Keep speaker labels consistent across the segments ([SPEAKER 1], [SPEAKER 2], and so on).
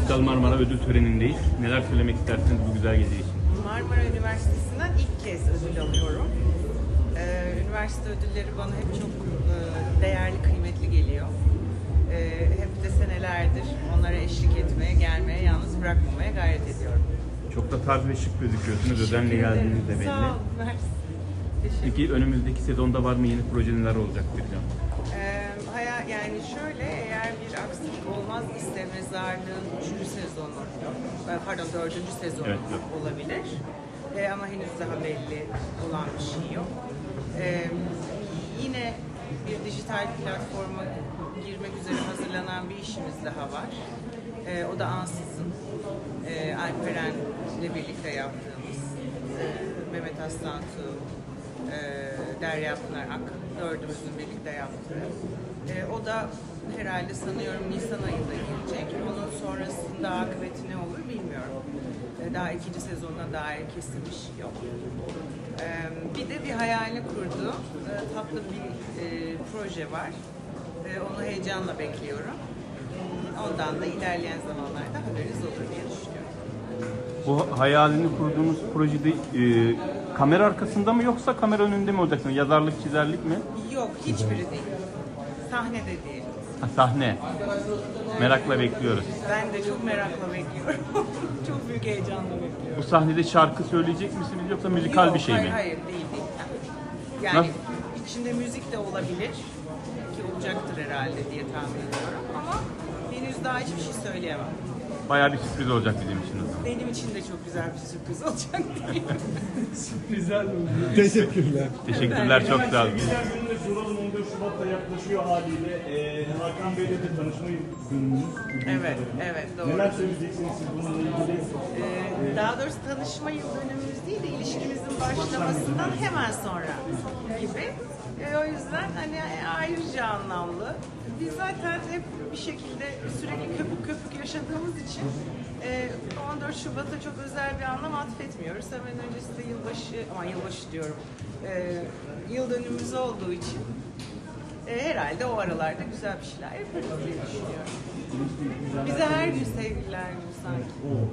[SPEAKER 1] Kristal Marmara ödül törenindeyiz. Neler söylemek istersiniz bu güzel gece için?
[SPEAKER 2] Marmara Üniversitesi'nden ilk kez ödül alıyorum. Üniversite ödülleri bana hep çok değerli, kıymetli geliyor. Hep de senelerdir onlara eşlik etmeye, gelmeye, yalnız bırakmamaya gayret ediyorum.
[SPEAKER 1] Çok da tarz ve şık gözüküyorsunuz. Özenle geldiğiniz de belli.
[SPEAKER 2] Sağ olun, mersi.
[SPEAKER 1] Peki önümüzdeki sezonda var mı yeni proje, neler olacak Bircan?
[SPEAKER 2] Yani şöyle, eğer bir aksilik olmaz ise Mezarlığın 4. sezonu
[SPEAKER 1] Evet.
[SPEAKER 2] olabilir. Ama henüz daha belli olan bir şey yok. Yine bir dijital platforma girmek üzere hazırlanan bir işimiz daha var. O da Ansız'ın Alperen'le birlikte yaptığımız Mehmet Aslantu, Derya Pınar Ak, dördümüzün birlikte yaptığı. O da herhalde sanıyorum Nisan ayında gelecek. Onun sonrasında akıbeti ne olur bilmiyorum. Daha ikinci sezonuna dair kesin bir şey yok. Bir de bir hayalini kurduğu tatlı bir proje var. Onu heyecanla bekliyorum. Ondan da ilerleyen zamanlarda haberiniz olur diye düşünüyorum.
[SPEAKER 1] Bu hayalini kurduğunuz projede kamera arkasında mı yoksa kamera önünde mi olacaksınız? Yazarlık, çizerlik mi?
[SPEAKER 2] Yok, hiçbiri değil. Sahnede değil.
[SPEAKER 1] Ha, sahne. Merakla bekliyoruz.
[SPEAKER 2] Ben de çok merakla bekliyorum. Çok büyük heyecanla bekliyorum.
[SPEAKER 1] Bu sahnede şarkı söyleyecek misiniz yoksa müzikal
[SPEAKER 2] Yok,
[SPEAKER 1] bir şey mi?
[SPEAKER 2] Hayır, değil. Yani
[SPEAKER 1] Nasıl?
[SPEAKER 2] içinde müzik de olabilir ki olacaktır herhalde diye tahmin ediyorum ama henüz daha hiçbir şey söyleyemem.
[SPEAKER 1] Bayağı bir sürpriz olacak bizim için o zaman.
[SPEAKER 2] Benim için de çok güzel bir sürpriz olacak diye.
[SPEAKER 3] Sürprizler oldu.
[SPEAKER 4] Teşekkürler.
[SPEAKER 1] Teşekkürler, çok sağ olun.
[SPEAKER 3] Güzel gününde soralım, 14 Şubat'ta yaklaşıyor haliyle. Hakan Bey'le de tanışma gününüz.
[SPEAKER 2] Evet, doğru.
[SPEAKER 3] Neler söyleyeceksiniz siz bununla ilgili?
[SPEAKER 2] Daha doğrusu tanışma yıl dönümümüz değil de ilişkimizin başlamasından hemen sonra gibi. O yüzden hani ayrıca anlamlı. Biz zaten hep bir şekilde sürekli köpük yaşadığımız için 14 Şubat'a çok özel bir anlam atfetmiyoruz. Hemen öncesinde yılbaşı diyorum. Yıl dönümümüz olduğu için herhalde o aralarda güzel bir şeyler yaparız diye düşünüyorum. Bize her gün sevgililer günü sanki.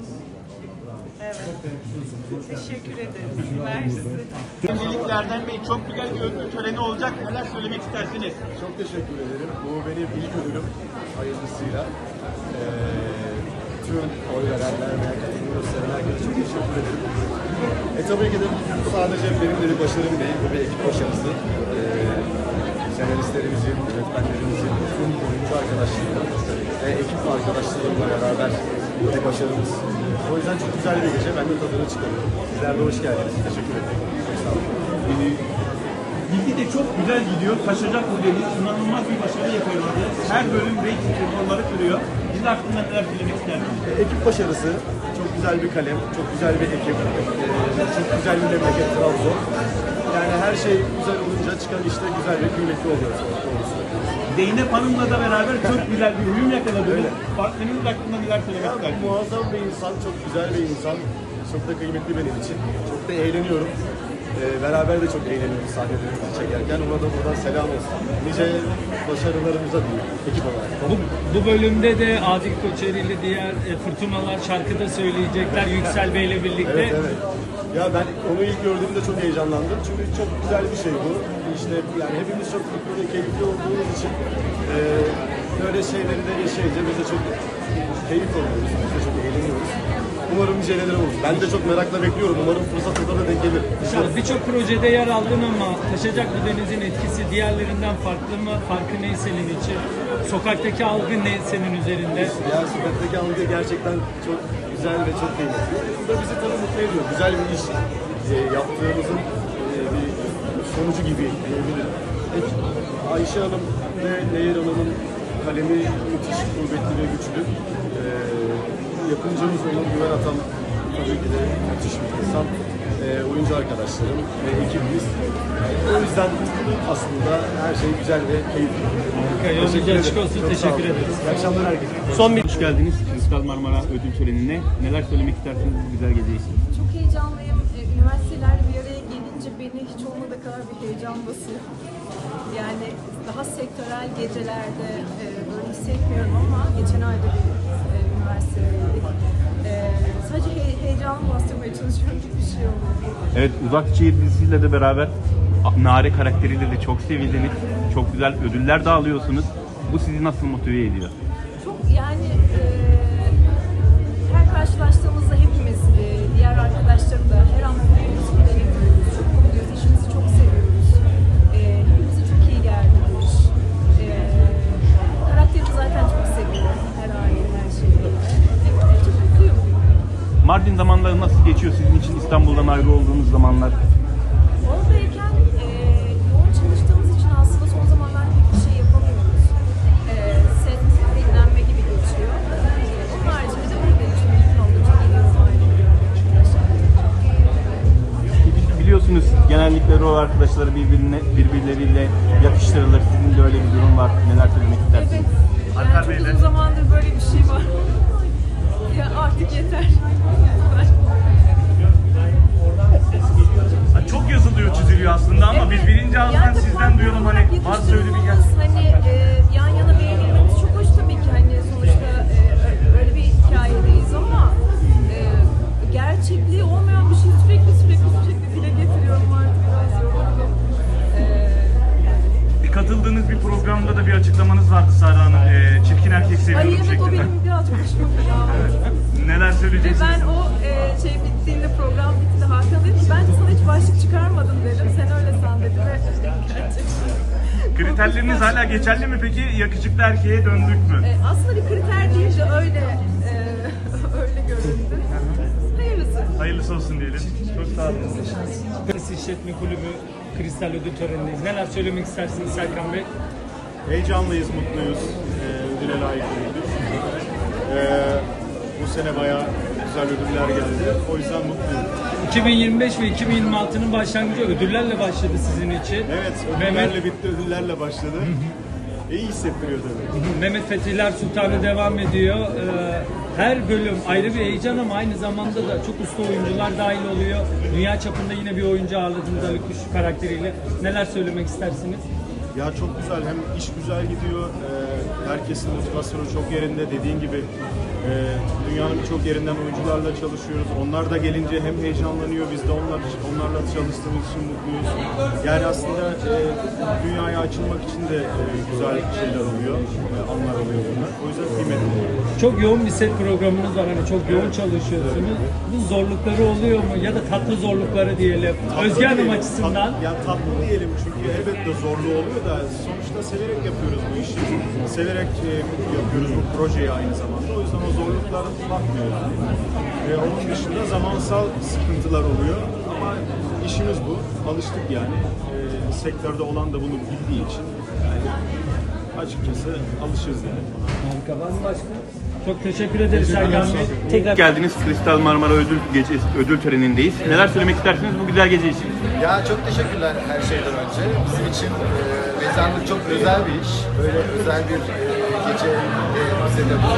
[SPEAKER 2] Evet. Teşekkür ederiz. Mersi.
[SPEAKER 1] Öncelikle Erdem Bey, çok güzel bir ödül töreni olacak. Neler söylemek istersiniz?
[SPEAKER 4] Çok teşekkür ederim. Bu benim ilk ödülüm hayırlısıyla. Tüm oy verenler ve katılım gösteren herkese çok teşekkür ederim. Tabii ki de bu sadece benim de bir başarım değil, bu bir ekip başarısı. Senaristlerimizin, yönetmenlerimizin, tüm oyuncu arkadaşlarımla ve ekip arkadaşlarımla beraber bir başarımız. O yüzden çok güzel bir gece. Ben de tadını çıkarıyorum. Sizler de hoş geldiniz. Teşekkür ederim. Çok sağ olun.
[SPEAKER 5] Bilgi de çok güzel gidiyor. Taşacak bu deniz. İnanılmaz bir başarı yakaladı. Her bölüm reyting rekorları kırıyor. Siz hakkında neler söylemek istersiniz?
[SPEAKER 4] Ekip başarısı, çok güzel bir kalem, çok güzel bir ekip, çok güzel bir memleket Trabzon. Yani her şey güzel olunca çıkan işte güzel ve kıymetli oluyor.
[SPEAKER 5] Zeynep Hanım'la da beraber çok güzel bir uyum yakaladınız. Partneriniz hakkında neler söylemek
[SPEAKER 4] Ya,
[SPEAKER 5] istersiniz?
[SPEAKER 4] muazzam bir insan, çok güzel bir insan. Çok da kıymetli benim için. Çok da eğleniyorum. Beraber de çok eğleniyoruz sahnelerimizi çekerken. Ona da buradan selam olsun. Nice başarılarımıza diyeyim ekip olarak.
[SPEAKER 6] Bu bölümde de Adil Koçeri ile diğer Fırtınalar şarkıda söyleyecekler Yüksel Bey'le birlikte.
[SPEAKER 4] Evet. Ya ben onu ilk gördüğümde çok heyecanlandım. Çünkü çok güzel bir şey bu. İşte yani hepimiz çok mutlu ve keyifli olduğumuz için böyle şeyleri de yaşayınca biz de çok keyif alıyoruz. Biz de çok eğleniyoruz. Umarım bir şeyler olur. Ben de çok merakla bekliyorum. Umarım fırsat da denk gelir.
[SPEAKER 6] Birçok projede yer aldın ama Taşacak Bu Deniz'in etkisi diğerlerinden farklı mı? Farkı ne senin için? Sokaktaki algı ne senin üzerinde?
[SPEAKER 4] Ya sokaktaki algı gerçekten çok güzel ve çok keyifli. Bu da bizi tabii mutlu ediyor. Güzel bir iş yaptığımızın bir sonucu gibi diyebilirim. Ayşe Hanım ve Nehir Hanım'ın kalemi müthiş kuvvetli ve güçlü. Yapımcımız Onur Güven Atam tabii ki de müthiş bir insan. Oyuncu arkadaşlarım ve ekibimiz. O yüzden aslında her şey güzel ve keyifli.
[SPEAKER 6] Yolunuz açık olsun.
[SPEAKER 4] Çok sağ
[SPEAKER 6] Teşekkür
[SPEAKER 4] olun.
[SPEAKER 6] ederiz.
[SPEAKER 4] İyi akşamlar herkese.
[SPEAKER 1] Hoş geldiniz Kristal Marmara ödül törenine. Neler söylemek istersiniz bu güzel gece için?
[SPEAKER 7] Çok heyecanlıyım. Üniversiteler bir araya gelince beni hiç olmadığı kadar bir heyecan basıyor. Yani daha sektörel gecelerde böyle hissetmiyorum ama geçen ayda bir üniversite çalışıyorum gibi bir şey oluyor.
[SPEAKER 1] Evet, Uzak Şehir dizisiyle de beraber Nare karakteriyle de çok sevildiniz. Çok güzel ödüller de alıyorsunuz. Bu sizi nasıl motive ediyor?
[SPEAKER 7] Çok yani her karşılaştığımızda hepimiz, diğer arkadaşlarım da her an mutluyuz, eğleniyoruz, çok mutluyuz, işimizi çok seviyoruz. Hepimize çok iyi geldi bu iş. Karakterimi zaten çok seviyorum, her hali, her şeyi. Çok mutluyum.
[SPEAKER 1] Mardin zamanları nasıl geçiyor sizin için, İstanbul'dan ayrı olduğunuz zamanlar?
[SPEAKER 7] Oradayken yoğun çalıştığımız için aslında son zamanlarda pek bir şey yapamıyoruz. Set, dinlenme gibi geçiyor. Onun haricinde de buradayım. Çok mümkün oldukça geliyorum ayrılıyorum.
[SPEAKER 1] Biliyorsunuz genellikle rol arkadaşları birbirleriyle yakıştırılır. Sizin de öyle bir durum var. Neler söylemek istersiniz?
[SPEAKER 7] Evet. Yani çok uzun zamandır böyle bir şey var. Ya artık yeter.
[SPEAKER 3] Çok yazılıyor, çiziliyor aslında ama biz birinci ağızdan
[SPEAKER 7] Yani
[SPEAKER 3] sizden
[SPEAKER 7] tabii
[SPEAKER 3] duyalım hani varsa öyle bir
[SPEAKER 7] yetiştirilmemiz, hani yan yana beğenilmemiz çok hoş tabii ki, hani sonuçta öyle bir hikayedeyiz ama gerçekliği olmayan bir şey sürekli dile getiriyorum, artık biraz yoruldum.
[SPEAKER 3] katıldığınız bir programda da bir açıklamanız vardı Sara Hanım. Çirkin erkek seviyorum
[SPEAKER 7] Ay evet, o
[SPEAKER 3] şeklinde.
[SPEAKER 7] benim biraz hoşuma gitti.
[SPEAKER 3] Neler
[SPEAKER 7] Ve
[SPEAKER 3] söyleyeceksiniz?
[SPEAKER 7] ben o bittiğinde, program bittiğinde Hakan dedi ki bence sana hiç başlık çıkarmadım dedim. Sen öyle san dedi ve gerçekten.
[SPEAKER 3] Kriterleriniz hala geçerli mi peki? Yakışıklı erkeğe döndük mü?
[SPEAKER 7] Aslında bir kriter değil de öyle öyle göründü. Hayırlısı.
[SPEAKER 3] Hayırlısı olsun diyelim. Çok sağ olun.
[SPEAKER 6] Kıbrıs İşletme Kulübü Kristal Ödül Töreni'ndeyiz. Neler söylemek istersiniz Serkan Bey?
[SPEAKER 4] Heyecanlıyız, mutluyuz. Ödüle layık olduk. Bu sene bayağı güzel ödüller geldi. O yüzden mutluyum.
[SPEAKER 6] 2025 ve 2026'nın başlangıcı ödüllerle başladı sizin için.
[SPEAKER 4] Evet, ödüllerle bitti, ödüllerle başladı. İyi hissettiriyor tabii.
[SPEAKER 6] Mehmet Fethiler Sultanı devam ediyor. Her bölüm ayrı bir heyecan ama aynı zamanda da çok usta oyuncular dahil oluyor. Dünya çapında yine bir oyuncu ağırladınız Ali Kuş karakteriyle. Neler söylemek istersiniz?
[SPEAKER 4] Ya çok güzel, hem iş güzel gidiyor, herkesin motivasyonu çok yerinde. Dediğin gibi dünyanın birçok yerinden oyuncularla çalışıyoruz. Onlar da gelince hem heyecanlanıyor, biz de onlarla çalıştığımız için mutluyuz. Yani aslında dünyaya açılmak için de güzel şeyler oluyor, anlar oluyor bunlar. O yüzden kıymetli.
[SPEAKER 6] Çok yoğun bir set programınız var. Hani çok yoğun çalışıyorsunuz. Bu zorlukları oluyor mu? Ya da tatlı zorlukları diyelim. Özge Hanım açısından.
[SPEAKER 4] Ya tatlı diyelim, çünkü elbette zorluğu oluyor da sonuçta severek yapıyoruz bu işi. Severek yapıyoruz bu projeyi aynı zamanda. O yüzden o zorluklara bakmıyoruz. Onun dışında zamansal sıkıntılar oluyor ama işimiz bu. Alıştık yani. Sektörde olan da bunu bildiği için. Yani açıkçası alışırız yani.
[SPEAKER 6] Harika. Var mı başka? Çok teşekkür ederiz Serkan Bey. Tekrar
[SPEAKER 1] Geldiniz, Kristal Marmara ödül törenindeyiz. Neler söylemek istersiniz bu güzel gece için?
[SPEAKER 8] Ya çok teşekkürler her şeyden önce. Bizim için mezarlık çok özel bir iş. Böyle özel bir gece bize de bu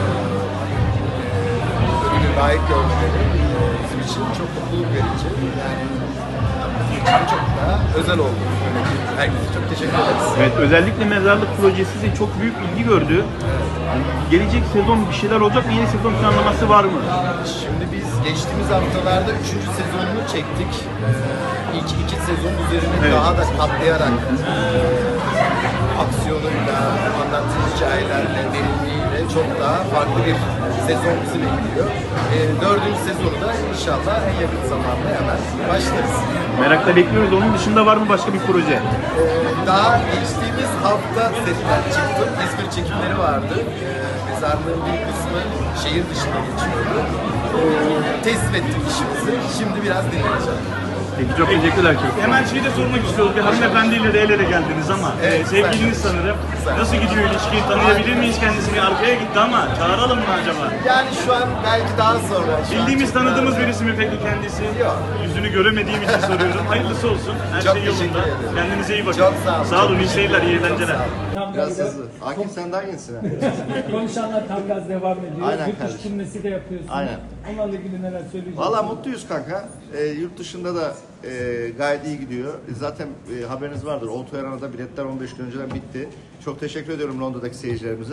[SPEAKER 8] ödülü layık görmeleri bizim için çok mutluluk verici. Yani çok daha özel oldu. Herkese çok teşekkür ederiz.
[SPEAKER 1] Evet, özellikle mezarlık projesi de çok büyük ilgi gördü. Gelecek sezon bir şeyler olacak mı? Yeni sezon planlaması var mı?
[SPEAKER 8] Şimdi biz geçtiğimiz haftalarda 3. sezonunu çektik. İlk 2 sezon üzerine daha da katlayarak aksiyonuyla, anlattığı hikayelerle, derinliğiyle çok daha farklı bir sezon bizi bekliyor. 4. sezonu da inşallah en yakın zamanda hemen başlarız.
[SPEAKER 1] Merakla bekliyoruz. Onun dışında var mı başka bir proje?
[SPEAKER 8] Daha geçtiğimiz hafta setten çıktım. İzmir çekimleri vardı. Mezarlığın bir kısmı şehir dışında geçiyordu. Teslim ettik işimizi. Şimdi biraz dinleneceğim.
[SPEAKER 1] Peki, çok teşekkürler.
[SPEAKER 3] Hemen şeyi de sormak istiyoruz. Bir hanımefendiyle de el ele geldiniz ama
[SPEAKER 8] Evet,
[SPEAKER 3] sevgiliniz
[SPEAKER 8] güzel.
[SPEAKER 3] sanırım.
[SPEAKER 8] Güzel.
[SPEAKER 3] Nasıl gidiyor ilişki? Tanıyabilir miyiz kendisini? Arkaya gitti ama çağıralım mı acaba?
[SPEAKER 8] Yani şu an belki daha sonra. Şu an
[SPEAKER 3] Bildiğimiz,
[SPEAKER 8] çok
[SPEAKER 3] tanıdığımız
[SPEAKER 8] daha-
[SPEAKER 3] birisi mi peki kendisi?
[SPEAKER 8] Yok.
[SPEAKER 3] Yüzünü göremediğim için soruyorum. Hayırlısı olsun. Her
[SPEAKER 8] Çok
[SPEAKER 3] şey
[SPEAKER 8] teşekkür
[SPEAKER 3] yolunda.
[SPEAKER 8] ederim.
[SPEAKER 3] Kendinize iyi bakın.
[SPEAKER 8] Çok sağ olun.
[SPEAKER 3] Sağ olun.
[SPEAKER 8] Çok
[SPEAKER 3] İyi seyirler, iyi eğlenceler.
[SPEAKER 8] Biraz hızlı. Akif sen daha iyisin.
[SPEAKER 6] konuşanlar tam gaz devam ediyor.
[SPEAKER 8] Aynen
[SPEAKER 6] Yurt dışı
[SPEAKER 8] kardeşim.
[SPEAKER 6] turnesi de yapıyorsunuz.
[SPEAKER 8] Aynen.
[SPEAKER 6] Onlarla ilgili neler söyleyeceksiniz?
[SPEAKER 8] Valla mutluyuz kanka. Yurt dışında da gayet iyi gidiyor. Zaten haberiniz vardır. Oltu Arena'da biletler 15 gün önceden bitti. Çok teşekkür ediyorum Londra'daki seyircilerimize.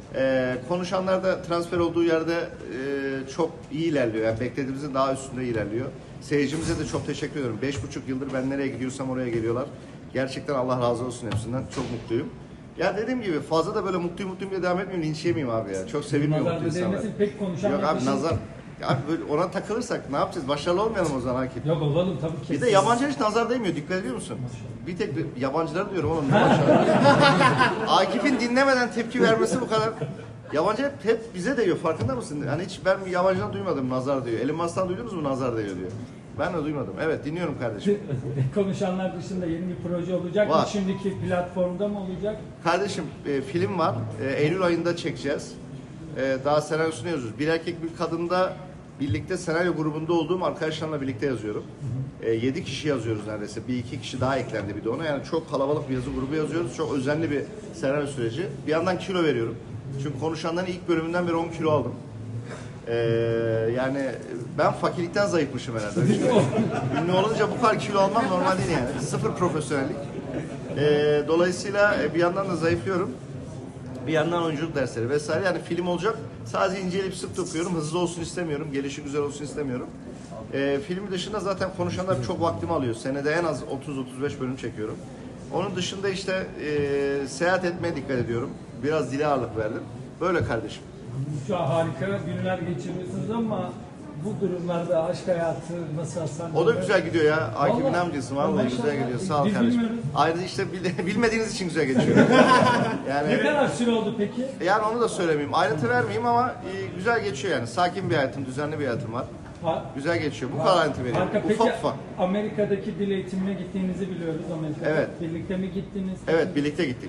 [SPEAKER 8] Konuşanlar da transfer olduğu yerde çok iyi ilerliyor. Yani beklediğimizin daha üstünde ilerliyor. Seyircimize de çok teşekkür ediyorum. 5,5 yıldır ben nereye gidiyorsam oraya geliyorlar. Gerçekten Allah razı olsun hepsinden. Çok mutluyum. Ya dediğim gibi fazla da böyle mutluyum diye devam etmeyeyim. Linç yemeyeyim abi ya. Çok sevilmiyor
[SPEAKER 6] Nazar
[SPEAKER 8] mutlu insanlar.
[SPEAKER 6] değmesin, pek konuşan
[SPEAKER 8] Yok abi
[SPEAKER 6] yaklaşım-
[SPEAKER 8] nazar. Abi böyle ona takılırsak ne yapacağız? Başarılı olmayalım o zaman Akif.
[SPEAKER 6] Yok olalım tabii ki.
[SPEAKER 8] Bir de yabancılar hiç nazar değmiyor. Dikkat ediyor musun? Bir tek yabancıları diyorum oğlum. Ne başarılı. Akif'in dinlemeden tepki vermesi bu kadar. Yabancı hep bize değiyor. Farkında mısın? Hani hiç ben yabancıdan duymadım nazar diyor. Elon Musk'tan duydunuz mu nazar değiyor diyor. Ben de duymadım. Evet dinliyorum kardeşim.
[SPEAKER 6] Konuşanlar dışında yeni bir proje olacak mı?
[SPEAKER 8] Var.
[SPEAKER 6] Şimdiki platformda mı olacak?
[SPEAKER 8] Kardeşim film var. Eylül ayında çekeceğiz. Daha senaryosunu yazıyoruz. Bir erkek bir kadında birlikte senaryo grubunda olduğum arkadaşlarla birlikte yazıyorum. 7 kişi yazıyoruz neredeyse. Bir iki kişi daha eklendi bir de ona. Yani çok kalabalık bir yazı grubu yazıyoruz. Çok özenli bir senaryo süreci. Bir yandan kilo veriyorum. Çünkü konuşanların ilk bölümünden beri 10 kilo aldım. Yani ben fakirlikten zayıfmışım herhalde. Ünlü olunca bu kadar kilo almam normal değil yani. Sıfır profesyonellik. Dolayısıyla bir yandan da zayıflıyorum. Bir yandan oyunculuk dersleri vesaire. Yani film olacak. Sadece inceleyip sık dokuyorum. Hızlı olsun istemiyorum. Gelişi güzel olsun istemiyorum. Film dışında zaten konuşanlar çok vaktimi alıyor. Senede en az 30-35 bölüm çekiyorum. Onun dışında işte seyahat etmeye dikkat ediyorum. Biraz dile ağırlık verdim. Böyle kardeşim.
[SPEAKER 6] Şu an harika günler geçiriyorsunuz ama bu durumlarda aşk hayatı nasıl Hasan?
[SPEAKER 8] O da güzel gidiyor ya. Akif'in
[SPEAKER 6] Vallahi-
[SPEAKER 8] amcası vallahi
[SPEAKER 6] Vallahi
[SPEAKER 8] güzel gidiyor. Sağ ol
[SPEAKER 6] biz
[SPEAKER 8] kardeşim.
[SPEAKER 6] bilmiyoruz.
[SPEAKER 8] Ayrıca işte bilmediğiniz için güzel geçiyor.
[SPEAKER 6] Ne
[SPEAKER 8] Yani
[SPEAKER 6] kadar süre oldu peki?
[SPEAKER 8] yani onu da söylemeyeyim. Ayrıntı vermeyeyim ama güzel geçiyor yani. Sakin bir hayatım, düzenli bir hayatım var. Güzel geçiyor. Bu kadar ayrıntı vereyim.
[SPEAKER 6] Harika. Peki
[SPEAKER 8] Ufak ufak.
[SPEAKER 6] Amerika'daki dil eğitimine gittiğinizi biliyoruz Amerika'da.
[SPEAKER 8] Evet.
[SPEAKER 6] Birlikte mi gittiniz?
[SPEAKER 8] Evet birlikte gittik.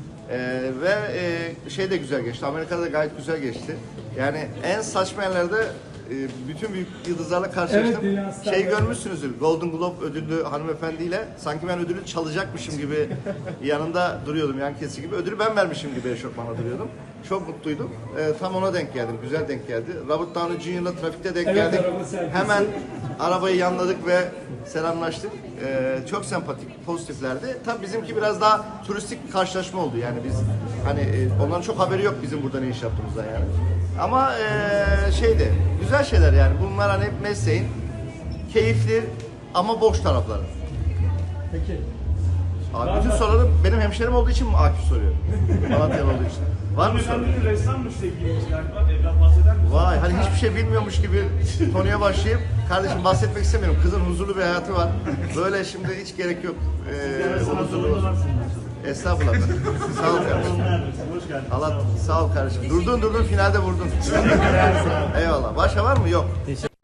[SPEAKER 8] Ve şey de güzel geçti. Amerika'da da gayet güzel geçti. Yani en saçma yerlerde bütün büyük yıldızlarla karşılaştım.
[SPEAKER 6] Evet, dünya starları.
[SPEAKER 8] Şey görmüşsünüzdür. Golden Globe ödüllü hanımefendiyle sanki ben ödülü çalacakmışım gibi yanında duruyordum yan kesi gibi. Ödülü ben vermişim gibi eşofmanla duruyordum. Çok mutluydum. Tam ona denk geldim. Güzel denk geldi. Robert Downey Jr.'la trafikte denk
[SPEAKER 6] Evet,
[SPEAKER 8] geldik.
[SPEAKER 6] araba sergisi.
[SPEAKER 8] Hemen arabayı yanladık ve selamlaştık. Çok sempatik, pozitiflerdi. Tabii bizimki biraz daha turistik bir karşılaşma oldu. Yani biz hani onların çok haberi yok bizim burada ne iş yaptığımızdan yani. Ama şeydi, güzel şeyler yani. Bunlar hani hep mesleğin keyifli ama boş tarafları.
[SPEAKER 6] Peki.
[SPEAKER 8] Abi bütün soruları benim hemşerim olduğu için mi Akif soruyor? Malatyalı olduğu için. Var mı soru?
[SPEAKER 3] Hanımefendi ressammış sevgilimiz galiba. Evlat bahseder misin?
[SPEAKER 8] Vay hani hiçbir şey bilmiyormuş gibi konuya başlayıp kardeşim bahsetmek istemiyorum. Kızın huzurlu bir hayatı var. Böyle şimdi hiç gerek yok. O huzurlu olsun. Estağfurullah. Sağ ol kardeşim.
[SPEAKER 3] Hoş geldin.
[SPEAKER 8] Allah sağ ol kardeşim. Durdun finalde vurdun. Eyvallah. Başka var mı? Yok.